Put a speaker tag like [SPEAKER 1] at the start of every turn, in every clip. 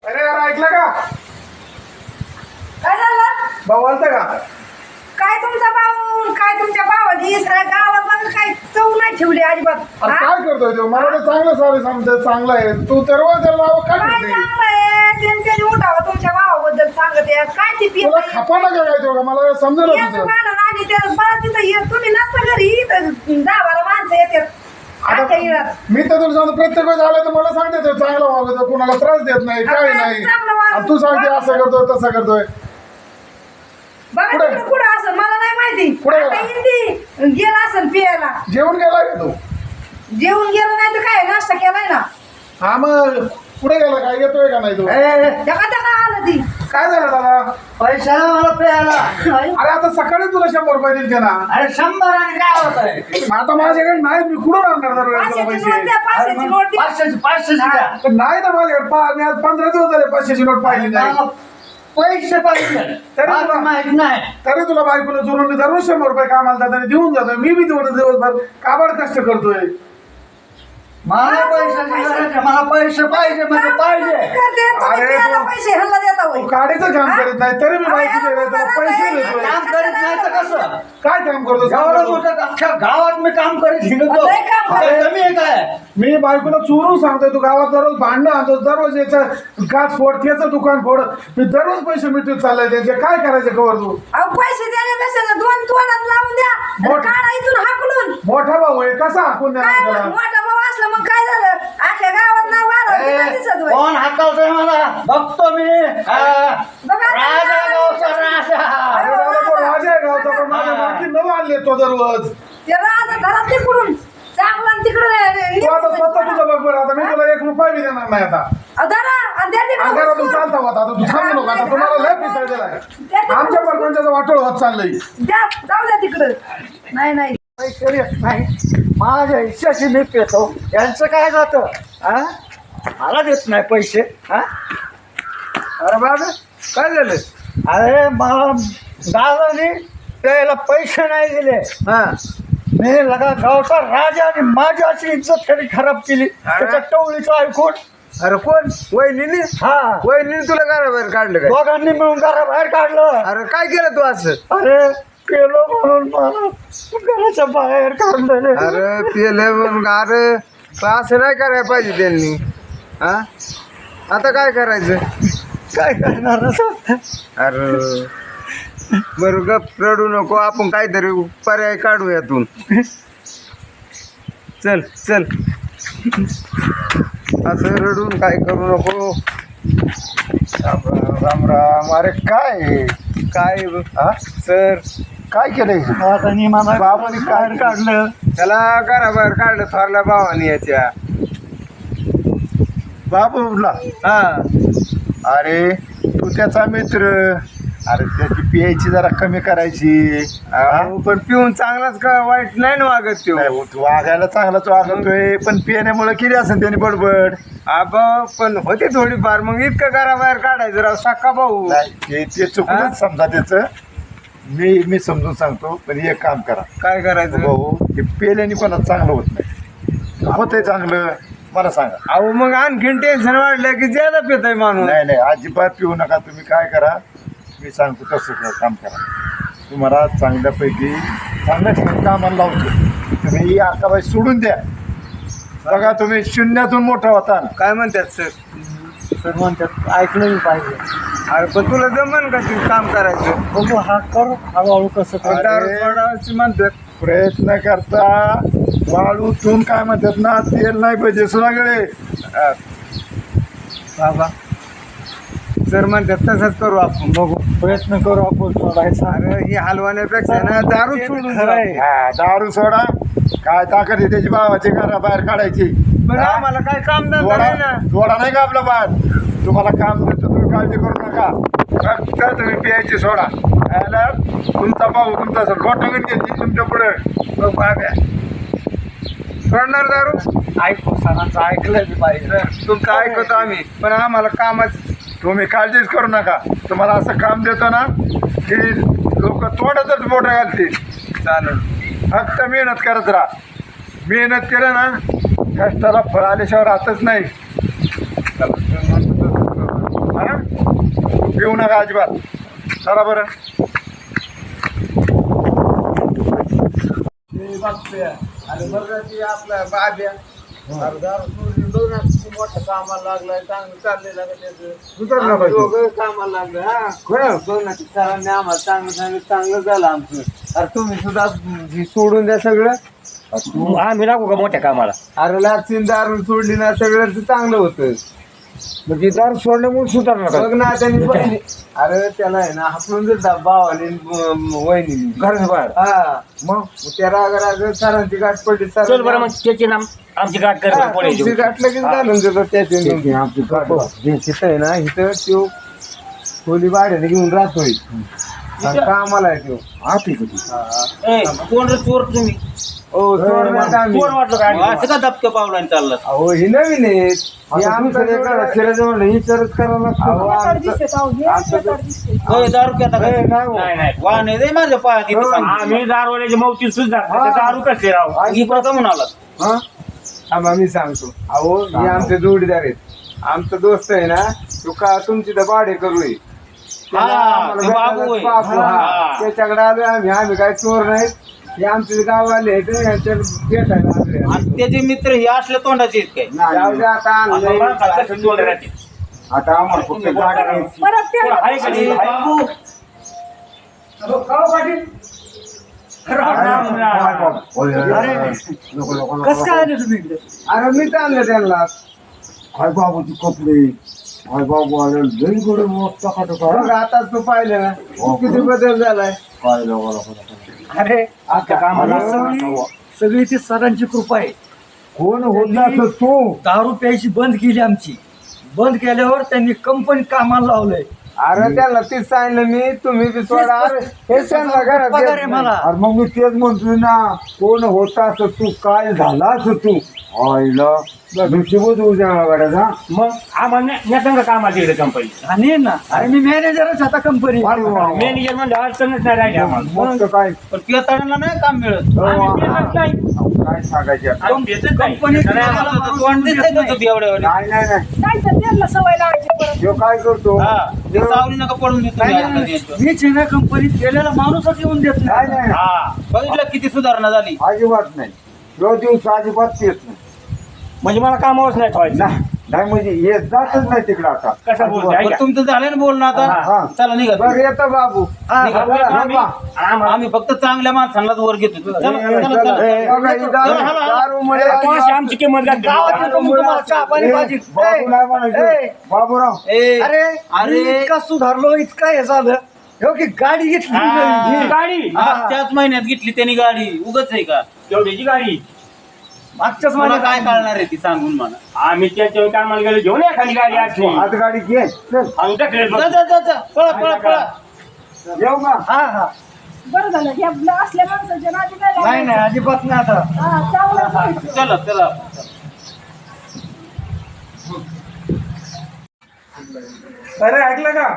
[SPEAKER 1] अरे यार ऐकलं का?
[SPEAKER 2] काय झालं?
[SPEAKER 1] भाऊ आलता का?
[SPEAKER 2] काय तुमचा भाऊ काय तुमच्या भावाची सगळ्या गावात मला काय चव नाही ठेवली अजिबात.
[SPEAKER 1] अरे
[SPEAKER 2] हा?
[SPEAKER 1] काय करतोय तो? मला तर चांगलं सारे समजत चांगलं आहे. तू दररोज त्याला नाव काय
[SPEAKER 2] काय
[SPEAKER 1] करते?
[SPEAKER 2] चांगलं आहे त्यांनी उठावं तुमच्या भावाबद्दल सांगत आहे. काय ती पित
[SPEAKER 1] तुला खपा ना काय तो? मला समजलं तुझं.
[SPEAKER 2] आणि ते मला तिथं तुम्ही नसता घरी तर 10-12 माणसं येतात. आजच्या येळात.
[SPEAKER 1] मी तर तुला सांगतो प्रत्येक वेळेस आलं तर मला सांगते तो चांगला वागतो, कुणाला त्रास देत नाही काय नाही.
[SPEAKER 2] चांगलं वागतो.
[SPEAKER 1] आणि तू सांगते असं करतोय तसं करतोय.
[SPEAKER 2] बघा
[SPEAKER 1] कुठं?
[SPEAKER 2] तिकडं कुठं असं मला नाही माहिती.
[SPEAKER 1] कुठं?
[SPEAKER 2] आता हिंदी गेला असेल पियाला.
[SPEAKER 1] जेवण गेला का तू?
[SPEAKER 2] जेवून गेलं नाही तर काय नाश्ता केलाय ना.
[SPEAKER 1] हा मग पुढे गेला काय? येतोय का नाही तू?
[SPEAKER 2] जगा आलं ती.
[SPEAKER 1] काय झालं दादा?
[SPEAKER 3] पैसा मला प्यायला.
[SPEAKER 1] अरे आता सकाळी तुला 100 रुपये दिले ना.
[SPEAKER 3] अरे 100 आणि काय होत आहे?
[SPEAKER 1] आता माझ्याकडे नाही, मी कुठून आणणार दरवेळेस तुला
[SPEAKER 2] 500ची नोट
[SPEAKER 1] पैसे?
[SPEAKER 2] द्या, 500ची नोट द्या.
[SPEAKER 3] 500 द्या.
[SPEAKER 1] पण नाही ना माझ्याकडे. मी आज 15 दिवस झाले 500ची नोट पाहिली नाही.
[SPEAKER 3] मला पैसे पाहिजे
[SPEAKER 1] तरी
[SPEAKER 3] मला
[SPEAKER 1] तुला-
[SPEAKER 3] माहित नाही.
[SPEAKER 1] तरी तुला बायकोला जोडून मी दररोज 100 रुपये कामाला जाताना देऊन जातोय. मी बी तेवढं दिवसभर काबाड कष्ट करतोय.
[SPEAKER 3] मला पैशाची गरज आहे. मला पैसे पाहिजे म्हणजे पाहिजे.
[SPEAKER 2] करते, तुम्ही
[SPEAKER 1] अरे
[SPEAKER 2] पियाला
[SPEAKER 1] तो-
[SPEAKER 2] पैसे ह्यांना देता होय.
[SPEAKER 1] तू काडीचं काम करीत नाही तरी मी बायकोच्या वेळेला पैसे देतोय.
[SPEAKER 3] काम करीत नाही तर कसं?
[SPEAKER 1] काय काम करतो सांग
[SPEAKER 3] एवढं
[SPEAKER 1] बरं?
[SPEAKER 3] मोठं अख्ख्या गावात मी काम करीत हिंडतो.
[SPEAKER 2] लय काम
[SPEAKER 3] आता
[SPEAKER 2] करतो.
[SPEAKER 3] कमी आहे काय?
[SPEAKER 1] मी बायकोला चोरून सांगतोय तू गावात दररोज भांडणं आणतो, दररोज याचं काच फोड त्याचं दुकान फोड. मी दररोज पैसे मिटून चाललाय त्यांचे. काय करायचं कवर तू?
[SPEAKER 2] अहो, पैसे देण्यापेक्षा ना 2 तोंडात लावून द्या आणि
[SPEAKER 1] मोठ-
[SPEAKER 2] काढा इथून हाकलून.
[SPEAKER 1] मोठा भाऊ आहे कसा हाकून
[SPEAKER 2] काय
[SPEAKER 1] देणार
[SPEAKER 2] मग
[SPEAKER 1] त्याला?
[SPEAKER 2] मोठा भाऊ असला मग काय झालं? अख्ख्या गावात नाव वाढवलं दिसत होय.
[SPEAKER 3] कोण हाकलतोय मला बघतो मी.
[SPEAKER 2] बघा आता
[SPEAKER 3] राजा गावचा राजा.
[SPEAKER 1] अरे दादा तो राजा आहे गावचा, पण माझ्या बाकी नवं आणले तो दररोज.
[SPEAKER 2] ते राजा घरात तिकडून चांगला आणि तिकडून
[SPEAKER 1] तू आता स्वतः तुझं बघ बरं. आता मी तुला 1 रुपया बी देणार नाही आता.
[SPEAKER 2] धरा आणि त्या तिकडं
[SPEAKER 1] अंगारातून
[SPEAKER 2] उचलून.
[SPEAKER 1] चालता होता. आता तू थांबू नको. आता तुम्हाला लय पिसाळ दिलाय. आमच्या परपंचाचं वाटोळ होत चाललंय.
[SPEAKER 2] द्या जाऊ द्या तिकडं. नाही
[SPEAKER 3] पैसे देत नाही. माझ्या इच्छाशी मी पेतो. यांचं काय जातं? हा? मला देत नाही पैसे. हा?
[SPEAKER 1] अरे बाबा काय झालं?
[SPEAKER 3] अरे मला दादाने त्याला पैसे नाही दिले.
[SPEAKER 1] हा
[SPEAKER 3] मी लगा गावचा राजा आणि माझी अशी इज्जत त्यांनी खराब केली त्याच्या टवळीचं ऐकून.
[SPEAKER 1] अरे कोण? वहिनी?
[SPEAKER 3] हा
[SPEAKER 1] वहिनी तुला घराबाहेर काढलं काय?
[SPEAKER 3] दोघांनी मिळून घराबाहेर काढलं.
[SPEAKER 1] अरे काय केलं तू असं?
[SPEAKER 3] अरे पेलो म्हणून मला घराच्या बाहेर काढलं.
[SPEAKER 1] अरे पिले म्हणून. अरे असं नाही करायला पाहिजे त्यांनी. हा आता काय करायचं?
[SPEAKER 3] काय करणार आता?
[SPEAKER 1] अरे बरं गप रडू नको. आपण काहीतरी पर्याय काढू यातून. चल चल असं रडून काय करू नको. राम राम राम राम. अरे काय काय हा सर काय केलंय?
[SPEAKER 3] आता नी मला
[SPEAKER 1] बाबांनी काय
[SPEAKER 3] बाहेर काढलं.
[SPEAKER 1] त्याला घराबाहेर काढलं थोरल्या भावानी याच्या बाबूला. हा अरे तू त्याचा मित्र. अरे त्याची पियायची जरा कमी करायची. पण पिऊन चांगलाच का वाईट नाही ना वागत तो. वागायला चांगलाच वागतोय पण पिण्यामुळे केली असेल त्याने बडबड. पण होते थोडीफार. मग इतकं घराबाहेर काढायचं राव साका भाऊ. ते चुकूनच समजा त्याचं. मी समजून सांगतो पण एक काम करा. काय करायचं भाऊ? हे पेल्याने कोणाच चांगलं होत नाही. होतंय चांगलं मला सांगा. अहो मग आणखीन टेन्शन वाढलं की ज्यादा पितय माणूस. नाही नाही अजिबात पिऊ नका. तुम्ही काय करा मी सांगतो तसं काम करा. तुम्हाला चांगल्यापैकी चांगल्या ठिकाणी कामाला लावतो. तुम्ही ही आकाबाई सोडून द्या. बघा तुम्ही शून्यातून मोठा होता. काय म्हणतात सर?
[SPEAKER 3] सर म्हणतात ऐकलं मी पाहिजे.
[SPEAKER 1] अरे पण तुला जमन का ते काम करायचं?
[SPEAKER 3] बघू हा करू हळूहळू कसं
[SPEAKER 1] अरे,
[SPEAKER 3] करणार.
[SPEAKER 1] सोडायची म्हणतात. प्रयत्न करता वाळूतून काय म्हणतात ना तेल नाही पाहिजे सगळे.
[SPEAKER 3] बाबा
[SPEAKER 1] सर म्हणतात तसंच करू आपण.
[SPEAKER 3] बघू प्रयत्न करू आपण सोडायचा.
[SPEAKER 1] अरे ही हलवण्यापेक्षा ना दारू
[SPEAKER 3] ते
[SPEAKER 1] सोडून
[SPEAKER 3] खरं आहे.
[SPEAKER 1] हा, दारू सोडा. काय ताकद आहे त्याची भावाची घराबाहेर काढायची. आम्हाला काय काम जोडा नाही का आपला बाहेर. तुम्हाला काम देतो तुम्ही काळजी करू नका. फक्त तुम्ही पियायची सोडा. याला तुमचा भाऊ तुमचा सर गोठवून घेतली तुमच्या पुढे. मग बाब्या सोडणार दारू?
[SPEAKER 3] ऐकू सरांचं ऐकलं मी पाहिजे.
[SPEAKER 1] तुमचं ऐकतो आम्ही पण आम्हाला कामच. तुम्ही काळजीच करू नका. तुम्हाला असं काम देतो ना की लोक तोंडातच मोठं घालतील. चालेल फक्त मेहनत करत राहा. मेहनत केलं ना कष्टाला फळ आल्याशिवाय राहतच नाही. चला, हा? पिऊ नका अजिबात. चला बरं.
[SPEAKER 4] अरे बरं ती आपला बाब्या मोठं कामाला लागलाय चांगलं चाललेलं का
[SPEAKER 1] सुधारला पाहिजे.
[SPEAKER 4] त्याचं कामाला लागलं हा सोनाची सरांनी आम्हाला चांगलं झालं आमचं. अरे तुम्ही सुद्धा हे सोडून द्या सगळं.
[SPEAKER 3] आम्ही लागू का मोठ्या कामाला?
[SPEAKER 4] अरे लागतील दारू सोडली ना सगळं चांगलं होतं.
[SPEAKER 3] म्हणजे दार सोडल्यामुळे सुधारणार
[SPEAKER 4] बघ ना त्यांनी अरे त्याला आहे ना हाकलून देत भावाने वहिनी
[SPEAKER 3] घराच्या बाहेर.
[SPEAKER 4] हा मग त्या राग सरांची गाठ पडली
[SPEAKER 3] चल बरं मग त्याची नाम आमची गाठ कर पुढे
[SPEAKER 4] तुमची गाठ लगेच घालून देतो त्याची आमची गाठ तिथं आहे ना इथं तो खोली भाड्याने घेऊन राहतोय आणि कामाला आहे तो
[SPEAKER 3] आती
[SPEAKER 5] कोण रे चोर तुम्ही?
[SPEAKER 4] हो चोर नाही आम्ही.
[SPEAKER 3] चोर वाटलं काय?
[SPEAKER 5] असं का दबक्या पावलाने चाललं?
[SPEAKER 4] अहो ही नवीन आहे ही आमचं शिराजवळ ही सरच करावं लागतं.
[SPEAKER 2] बेकार दिसते अहो, हे बेकार दिसते.
[SPEAKER 5] होय, दारू प्याता का?
[SPEAKER 3] नाही नाही
[SPEAKER 5] वाहन आहे रे माझ्या पायात इथं सांग.
[SPEAKER 3] आम्ही दारवाल्याची मौती सुद्धा दारू कसले राव?
[SPEAKER 5] इकडं का म्हणाला?
[SPEAKER 4] हा आम्हा मी सांगतो अहो हे आमचे जोडीदार आहेत. आमचा दोस्त आहे ना तो का तुमची तर भाडे करू आहे. त्याला आम्हाला
[SPEAKER 5] ते बाबू आहे.
[SPEAKER 4] बाबू, हा.
[SPEAKER 5] हा.
[SPEAKER 4] त्याच्याकडे आलोय आम्ही काय चोर नाहीत. हे आमचे गाववाले आहेत यांच्या भेटायला आलोय आम्ही.
[SPEAKER 5] आणि त्याचे मित्र हे असल्या तोंडाचे आहेत काय?
[SPEAKER 4] जाऊ दे आता आणलंय.
[SPEAKER 1] आता आम्हाला फक्त गाडी घ्यायची.
[SPEAKER 2] परत ते
[SPEAKER 3] आहे का नाही?
[SPEAKER 5] अरे बाबू
[SPEAKER 1] होय, होय, होय. नको, नको, नको,
[SPEAKER 3] कसं काय
[SPEAKER 1] नको.
[SPEAKER 3] आले तुम्ही इकडे?
[SPEAKER 4] अरे मीच आणलं त्यांना.
[SPEAKER 1] काय बाबूची कपडे काय बाबू आले लई कडे मोठा खातो
[SPEAKER 4] बघ आता तू पाहिलं ना किती बदल झालाय.
[SPEAKER 1] काय नको, नको, नको.
[SPEAKER 3] अरे आता कामाला सगळी ती सरांची कृपा आहे.
[SPEAKER 1] कोण होता असं तू?
[SPEAKER 3] दारू प्यायची बंद केली आमची. बंद केल्यावर त्यांनी कंपनीत कामाला लावलंय.
[SPEAKER 4] अरे त्याला तीच सांगितलं मी तुम्ही बी सोडा. अरे हे त्यांना घरात
[SPEAKER 3] पगार आहे
[SPEAKER 4] येत
[SPEAKER 3] मला.
[SPEAKER 4] नाही.
[SPEAKER 1] अरे मग मी तेच म्हणतोय ना कोण होता असं तू काय झाला असं तू आईला नशिबच होऊ द्या गाड्याचा.
[SPEAKER 6] मग आम्हाला नेतं कामाला तिकडे कंपनी
[SPEAKER 3] आणि ना अरे मी मॅनेजरच आता कंपनी.
[SPEAKER 1] अरे वा, वा.
[SPEAKER 6] मॅनेजर म्हणजे अडचणच नाही राहिली आम्हाला.
[SPEAKER 1] मग तर काय
[SPEAKER 5] पण पिताळांना नाही काम मिळत.
[SPEAKER 6] आम्ही पेतच नाही.
[SPEAKER 1] काय सांगायचे आता?
[SPEAKER 6] आम्ही पेतच नाही.
[SPEAKER 3] कंपनीत
[SPEAKER 5] नाही, आता तर तोंड दिसतंय का तुझं एवढ्या
[SPEAKER 1] नाही नाही नाही
[SPEAKER 2] काय तर त्यांना सवय लावायची परत.
[SPEAKER 1] ह्यो काय करतो
[SPEAKER 5] हा ते सावली नका पडून देतो मी आता त्यांच्यावर.
[SPEAKER 3] मीच आहे ना कंपनीत गेलेला माणूसच येऊन देत
[SPEAKER 1] नाही
[SPEAKER 3] नाही.
[SPEAKER 1] नाही
[SPEAKER 6] हा
[SPEAKER 5] बघितलं किती सुधारणा झाली.
[SPEAKER 1] अजिबात नाही ह्यो दिवस अजिबात येत नाही.
[SPEAKER 6] म्हणजे मला कामावरच नाही ठेवायचं.
[SPEAKER 1] नाही नाही म्हणजे येत जातच नाही तिकडं आता.
[SPEAKER 6] कसं बोलतोय
[SPEAKER 5] पण
[SPEAKER 6] ऐका.
[SPEAKER 5] तुमचं झालं ना बोलणं
[SPEAKER 1] हा.
[SPEAKER 5] आता. चला निघा
[SPEAKER 4] बरं येतो बाबू.
[SPEAKER 5] निघा.
[SPEAKER 6] आम्हाला
[SPEAKER 5] आम्ही फक्त चांगल्या माणसांनाच वर घेतो. चला, चला,
[SPEAKER 1] चला,
[SPEAKER 5] चला, चला.
[SPEAKER 4] बघा, ही दारूमुळे
[SPEAKER 6] कोणाशी आमची किंमत घातली.
[SPEAKER 3] गावात येतो मी तुम्हाला चहा पाणी भाजी.
[SPEAKER 1] बाबू नाही म्हणायचं
[SPEAKER 3] ए,
[SPEAKER 1] बाबूराव
[SPEAKER 5] ए,
[SPEAKER 3] अरे
[SPEAKER 5] अरे.
[SPEAKER 3] मी इतका सुधारलो इतका हे झालं हो की गाडी घेतली
[SPEAKER 6] हा,
[SPEAKER 3] नवीन.
[SPEAKER 6] गाडी
[SPEAKER 5] त्याच महिन्यात घेतली त्यांनी गाडी. उगाच आहे का?
[SPEAKER 6] एवढ्याची गाडी
[SPEAKER 3] मागच्याच
[SPEAKER 5] मला
[SPEAKER 3] महिन्यात
[SPEAKER 5] काय कळणार आहे ती सांगून मला.
[SPEAKER 6] आम्ही त्याच्या कामाला गेलो घेऊन एखादी गाडी असली
[SPEAKER 1] हात गाडी घे चल
[SPEAKER 6] आम्ही टाकले
[SPEAKER 5] जा, जा, जा, जा. पळा पळा पळा.
[SPEAKER 1] येऊ का?
[SPEAKER 3] हा हा
[SPEAKER 2] बरं झालं हे असल्या माणसाच्या नादी नाही
[SPEAKER 3] नाही
[SPEAKER 2] लागायचं.
[SPEAKER 3] नाही अजिबात नाही आता.
[SPEAKER 2] हा, चांगलं करायचं.
[SPEAKER 5] चला चला.
[SPEAKER 4] अरे ऐकलं का?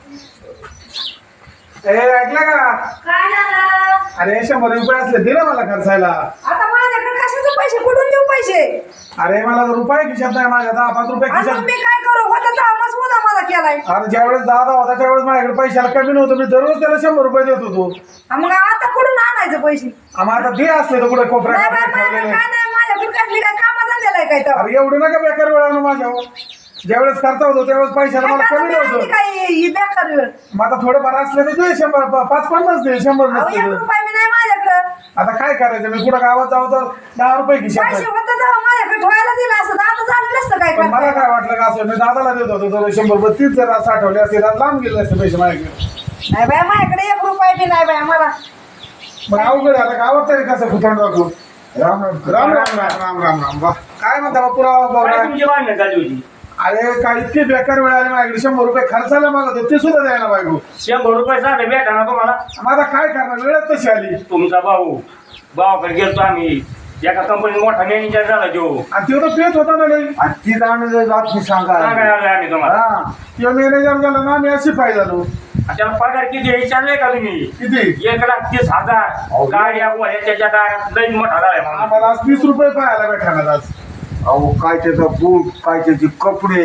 [SPEAKER 4] ऐकलं का?
[SPEAKER 2] काय झालं?
[SPEAKER 4] अरे 100 असले दिले मला खर्चायला.
[SPEAKER 2] आता माझ्याकडे कशाचे पैसे कुठून देऊ पैसे?
[SPEAKER 4] अरे मला रुपये खिशात नाही माझ्या 10-5 रुपये
[SPEAKER 2] आणि
[SPEAKER 4] खिशात.
[SPEAKER 2] मग मी काय करू? होता तर आमच मुदा मला केलाय.
[SPEAKER 4] अरे ज्यावेळेस दादा होता त्यावेळेस माझ्याकडे पैशाला कमी नव्हतं. मी दररोज त्याला 100 रुपये देत होतो.
[SPEAKER 2] हा, मग आता कुठून आणायचे पैसे?
[SPEAKER 4] आम्ही आता ते असले तर कुठे
[SPEAKER 2] नाही बाई,
[SPEAKER 4] कोपऱ्यात
[SPEAKER 2] माझ्याकडे
[SPEAKER 4] ठेवलेले.
[SPEAKER 2] काय नाही, माझ्याकडे कसली काय कामाचा दिलाय काय तर?
[SPEAKER 4] अरे एवढं नका बेकार वेळ आणू माझ्यावर. ज्यावेळेस करता होतो त्यावेळेस पैशाला मला कमी नव्हतं.
[SPEAKER 2] काय ही बेकार वेळ?
[SPEAKER 4] मग आता थोडेफार असले तर दे 100 5-50 दे 100
[SPEAKER 2] अहो,
[SPEAKER 4] नसते
[SPEAKER 2] 1
[SPEAKER 4] तर.
[SPEAKER 2] रुपया बी नाही माझ्याकडं.
[SPEAKER 4] आता काय करायचं मी कुठं गावात जाऊ तर 10 रुपये खिशात
[SPEAKER 2] पैसे
[SPEAKER 4] नाही.
[SPEAKER 2] होते तेव्हा माझ्याकडे ठेवायला दिलं असतं, आता झालं नसतं काय
[SPEAKER 4] पण मला
[SPEAKER 2] करता.
[SPEAKER 4] काय वाटलं का असं मी दादाला देत होतो तर 100 रुपये तीच जर साठवले असते तर लांब गेले असते पैसे माझ्याकडे.
[SPEAKER 2] नाही बाय, माझ्याकडे 1 रुपया बी नाही बाय मला.
[SPEAKER 4] मग अवघड आता गावात तरी कसं खुतांड दाखवू. राम राम राम राम राम राम राम राम वा काय म्हणता बा पुरावा
[SPEAKER 6] काय
[SPEAKER 4] बाबा.
[SPEAKER 6] तुमची भांडणं झाली होती.
[SPEAKER 4] अरे काय इतके बेकार वेळ आले माझ्याकडे 100 रुपये खर्चायला मागत होते ते सुद्धा द्यायला बायको.
[SPEAKER 6] 100 रुपये साधे भेटा ना तुम्हाला.
[SPEAKER 4] मग आता काय करणार वेळच तशी आली.
[SPEAKER 6] तुमचा भावाकडे गेलतो आम्ही. एका कंपनीत मोठा मॅनेजर झाला तो.
[SPEAKER 4] आणि तो तर पेत होता ना लई.
[SPEAKER 1] आणि ती जाणं बातमी सांगा
[SPEAKER 6] सांगायला आलोय आम्ही तुम्हाला.
[SPEAKER 1] हा
[SPEAKER 4] किंवा मॅनेजर झाला ना मी अशी पाय झालो.
[SPEAKER 6] त्याला पगार किती आहे विचारलंय का तुम्ही?
[SPEAKER 4] किती
[SPEAKER 6] 1,30,000 गाड्या गोळ्या त्याच्या दारात लई मोठा झालाय म्हणून.
[SPEAKER 4] आम्हाला आज 30 रुपये पाहायला भेटणार आज.
[SPEAKER 1] अहो काय त्याचा बूट काय त्याचे कपडे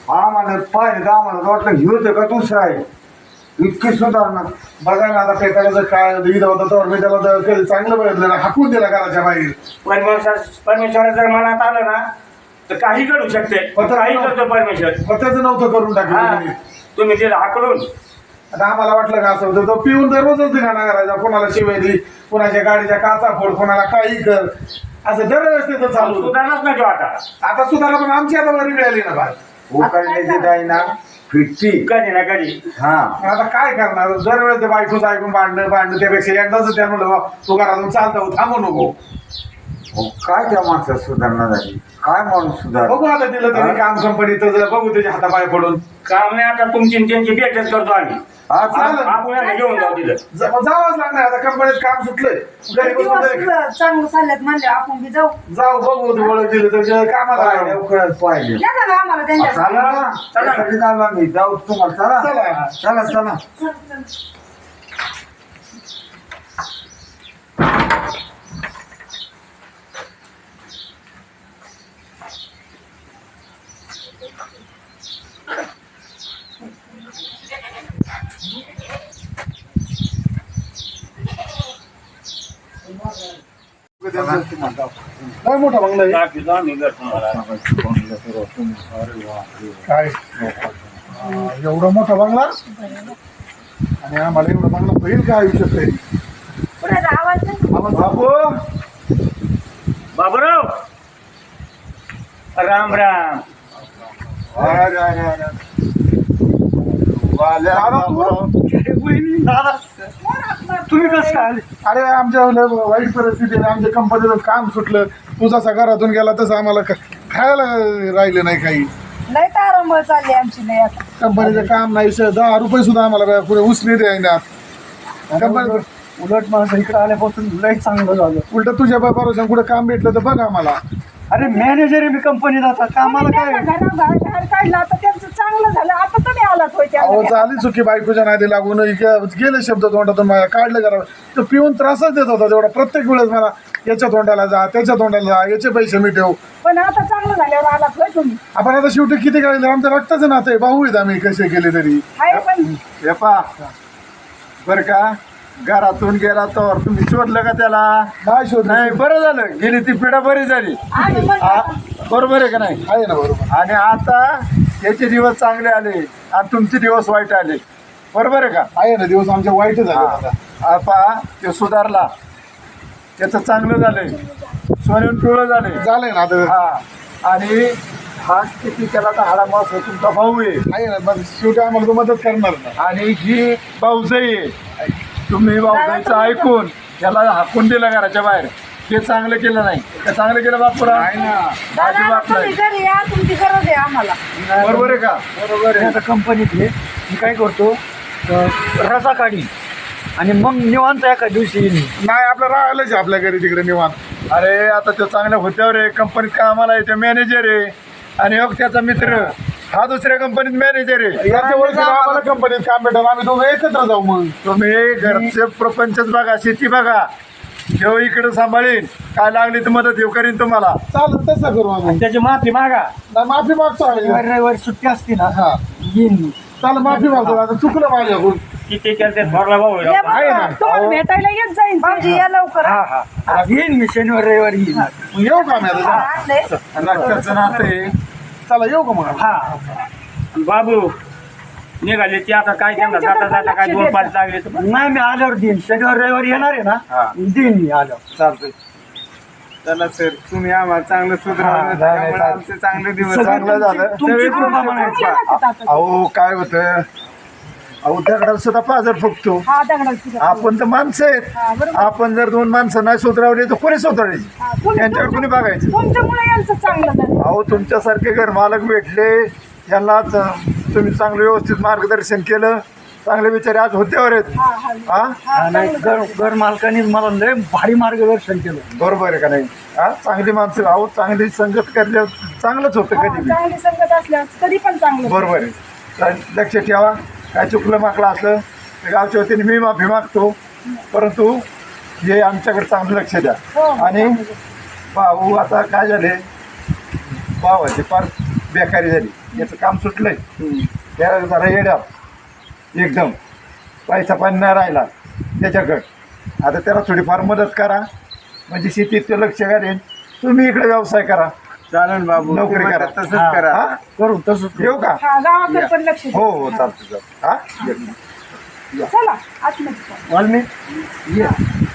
[SPEAKER 3] आम्हाला पाहिजे तर आम्हाला वाटलं घेऊ का दुसरा आहे इतकी सुधारणा.
[SPEAKER 1] बघा ना आता पेटायचं काय विध होता तर मी त्याला तर कधी चांगलं बघितलं ना हाकून दिला घराच्या बाहेर.
[SPEAKER 6] परमेश्वर जर मनात आलं ना तर काही घडू शकते. काही करतो परमेश्वर.
[SPEAKER 1] स्वतःच नव्हतं करून
[SPEAKER 6] हा
[SPEAKER 1] टाकलं.
[SPEAKER 6] तुम्ही तिला हाकलून
[SPEAKER 1] आता आम्हाला वाटलं का असं होतं तो पिऊन दररोजच धिंगाणा करायचा. कोणाला शिवाय दे, कोणाच्या गाडीच्या काचा फोड, कोणाला काही कर, असं दरवेळेस त्याचं चालू होतं.
[SPEAKER 6] सुधारणाच नाही तो आता.
[SPEAKER 1] आता सुधारा पण आमची आता बरी मिळाली ना बाय.
[SPEAKER 3] उकडण्याची जाई ना फिटती.
[SPEAKER 6] कधी ना कधी.
[SPEAKER 3] हा
[SPEAKER 1] आता काय करणार दरवेळेस ते बायकोच ऐकून भांडणं त्यापेक्षा एकदाच त्या म्हणलं बा, तू घरातून चालता थांबू नको.
[SPEAKER 3] काय त्या माणसात सुधारणा झाली काय माणूस सुधार.
[SPEAKER 1] बघू आता दिलं त्यांनी काम कंपनीत बघू त्याच्या हातापाय पडून.
[SPEAKER 6] काम नाही आता तुमची आणि त्यांची भेटच करतो आम्ही.
[SPEAKER 3] हा चालेल.
[SPEAKER 6] आपण यांना घेऊन जाऊ तिथं.
[SPEAKER 1] जावंच लागणार आता कंपनीत काम सुटलंय. घरी बसून तरी
[SPEAKER 2] दिवस चांगलं चालल्यात म्हणले आपण बी जाऊ.
[SPEAKER 1] जाऊ बघू ते ओळख दिलं तर कामाला
[SPEAKER 3] पाहिजे
[SPEAKER 1] लावू.
[SPEAKER 3] उकळत पाहिजे.
[SPEAKER 2] या ना गं आम्हाला त्यांच्या
[SPEAKER 3] चला ना त्यासाठी झालो आम्ही जाऊ तुम्हाला. चला
[SPEAKER 1] चला.
[SPEAKER 3] चला चला.
[SPEAKER 2] चल, चल.
[SPEAKER 1] काय मोठा बंगला आहे.
[SPEAKER 5] दाखवतो आम्ही घर तुम्हाला.
[SPEAKER 1] काय एवढा मोठा बंगला आणि आम्हाला एवढा बंगला होईल का आयुष्यात काही.
[SPEAKER 2] पुढे जा, आवाज नाही.
[SPEAKER 1] बाबू
[SPEAKER 5] बाबूराव राम राम.
[SPEAKER 1] अरे, अरे, अरे. वाल्या बाबूराव.
[SPEAKER 3] तुम्ही कसं काय आले.
[SPEAKER 1] अरे आमच्या वाईट परिस्थिती आहे. आमच्या कंपनीचं काम सुटलं. तू जसा घरातून गेला तसं आम्हाला खायला राहिलं नाही काही.
[SPEAKER 2] लय तारंबळ चालली आमची लय आता.
[SPEAKER 1] कंपनीचं काम नाही 10 रुपये सुद्धा आम्हाला पुढे उसने द्यायनात. कंपनी
[SPEAKER 3] उलट माझं इकडे आल्यापासून लय चांगलं झालं.
[SPEAKER 1] उलट तुझ्या बरोबर कुठं काम भेटलं तर बघ आम्हाला.
[SPEAKER 3] अरे मॅनेजर आहे मी कंपनीत आता कामाला काय.
[SPEAKER 2] त्यांना घराबाहेर काढलं आता त्यांचं चांगलं झालं. आता तुम्ही आलात होय
[SPEAKER 1] अहो
[SPEAKER 2] त्यांना.
[SPEAKER 1] झाली चुकी बायकोच्या नादी लागून गेले शब्द तोंडातून माझ्या काढलं करा. तो पिऊन त्रासच देत होता तेवढा. प्रत्येक वेळेस मला याच्या तोंडाला जा त्याच्या तोंडाला जा याचे पैसे मिटव.
[SPEAKER 2] पण आता चांगलं झाल्यावर आलात होय तुम्ही.
[SPEAKER 1] आपण आता शेवटी किती काढले आमचं रक्ताचं नातं आहे. भाऊ आहेत आम्ही कसे केले तरी.
[SPEAKER 2] आहे पण
[SPEAKER 1] हे पा बर का घरातून गेला तर तुम्ही शोधलं का त्याला. नाही शोध नाही. बरं झालं गेली ती पिढा बरी झाली.
[SPEAKER 2] आम्ही म्हणतो
[SPEAKER 1] बरोबर आहे का नाही. आहे ना बरोबर. आणि आता याचे दिवस चांगले आले आणि तुमचे दिवस वाईट आले. बरोबर आहे का. आहे ना दिवस आमचे वाईट झाले. आता ते सुधारला त्याचं चांगलं झालंय. सोन्याहून पिवळं झालंय ना आता. हा आणि हा किती केला तर हाडा मास तुमचा भाऊ आहे ना. मग शेवटी आम्हाला तो मदत करणार ना. आणि ही भाऊजाई आहे. तुम्ही भाऊजाईचं ऐकून याला हाकून दिलं घराच्या बाहेर. हे चांगलं केलं नाही. ते चांगलं केलं बापूरा.
[SPEAKER 2] दादा,
[SPEAKER 1] बाप
[SPEAKER 2] तुम्ही घरी या. तुमची गरज आहे आम्हाला.
[SPEAKER 1] बरोबर आहे का.
[SPEAKER 3] बरोबर आहे. आता कंपनीत आहे मी काय करतो रजा काढी आणि मग निवांत एका दिवशी येईन.
[SPEAKER 1] नाही आपलं राहिलंच आपल्या घरी तिकडे निवांत. अरे आता तो चांगल्या होत्यावर आहे. कंपनीत कामाला आहे. ते मॅनेजर आहे आणि मग त्याचा मित्र हा दुसऱ्या कंपनीत मॅनेजर आहे. याच्या ओळखीनं आम्हाला कंपनीत काम भेटेल. आम्ही दोघं एकत्र जाऊ. मग तुम्ही घरचे प्रपंचच बघा. शेती बघा. जेव्हा इकडे सांभाळीन काय लागली तर मदत येऊ करीन तुम्हाला. चालेल तसं करू आम्ही.
[SPEAKER 3] त्याची माफी मागा.
[SPEAKER 1] नाही, माफी मागतो आम्ही.
[SPEAKER 3] रविवारी सुट्टी असते ना
[SPEAKER 1] हा
[SPEAKER 3] येईन मी.
[SPEAKER 1] चालेल माफी मागतो. आता चुकलं माझ्याकडून.
[SPEAKER 6] किती केलं थोरला भाऊ आहे.
[SPEAKER 2] या बघा, तुम्हाला भेटायला येत जाईल. भाऊजी या लवकर.
[SPEAKER 3] हा हा येईन मी शनिवार रविवारी येईन.
[SPEAKER 1] मग येऊ का आम्ही आता.
[SPEAKER 2] आणलंय.
[SPEAKER 1] रक्ताचं नातं आहे. चला येऊ का मग.
[SPEAKER 3] हा
[SPEAKER 6] बाबू निघाले ते आता काय त्यांना जाता जाता काय 2-5 लागले तर
[SPEAKER 3] नाही मी आल्यावर देईन. शनिवार रविवारी येणार आहे ना देईन मी आल्यावर.
[SPEAKER 1] चालतंय.
[SPEAKER 4] चला सर तुम्ही आम्हाला चांगलं सुधारलं. त्यामुळे आमचे चांगले दिवस
[SPEAKER 1] चांगलं झालं.
[SPEAKER 3] तुमची कृपा म्हणायची.
[SPEAKER 1] अहो काय होतं. अहो दगडाला सुद्धा पाजर फुकतो.
[SPEAKER 2] हा दगडाची.
[SPEAKER 1] आपण तर माणसं
[SPEAKER 2] हा,
[SPEAKER 1] आहेत.
[SPEAKER 2] बरोबर.
[SPEAKER 1] आपण जर 2 माणसं नाही सुधरावली तर कोणी सुधारायची.
[SPEAKER 2] हा, तुम्ही-
[SPEAKER 1] यांच्यावर कोणी बघायचं.
[SPEAKER 2] तुमच्यामुळे यांचं चांगलं झालं.
[SPEAKER 1] अहो तुमच्यासारखे घरमालक भेटले. यांना तुम्ही चांगलं व्यवस्थित मार्गदर्शन केलं. चांगले विचार आज होत्यावर आहेत.
[SPEAKER 2] हा हा
[SPEAKER 1] हा
[SPEAKER 2] हा,
[SPEAKER 3] नाही घर मालकाने मला लय भारी मार्गदर्शन केलं.
[SPEAKER 1] बरोबर आहे का नाही. हा चांगली माणसं. अहो चांगली संगत करल्यावर चांगलंच होतं
[SPEAKER 2] हा,
[SPEAKER 1] कधी बी.
[SPEAKER 2] चांगली संगत असल्यावर कधी पण चांगलं.
[SPEAKER 1] बरोबर आहे. तर लक्ष ठेवा. काय चुकलं माकलं असलं तर गावच्या वतीने मी माफी मागतो. परंतु हे आमच्याकडे चांगलं लक्ष द्या.
[SPEAKER 2] हो, हो,
[SPEAKER 1] आणि भाऊ आता काय झाले भावाचे फार बेकारी झाली, याचं काम सुटलंय, त्याला जरा येड्या एकदम पैसा पण नाही राहिला त्याच्याकडं. आता त्याला थोडीफार मदत करा, म्हणजे शेतीत ते लक्ष घालेल. तुम्ही इकडे व्यवसाय करा,
[SPEAKER 4] चालेल बाबू,
[SPEAKER 1] नोकरी
[SPEAKER 4] ते
[SPEAKER 1] करा.
[SPEAKER 4] म्हणतात तसंच करा.
[SPEAKER 1] हा? करू तसंच येऊ का?
[SPEAKER 2] हा गावाकडे पण लक्ष द्या.
[SPEAKER 1] हो हो चालतं चालतं. हा
[SPEAKER 2] चला आतमध्ये चला.
[SPEAKER 1] वाल्मी ये.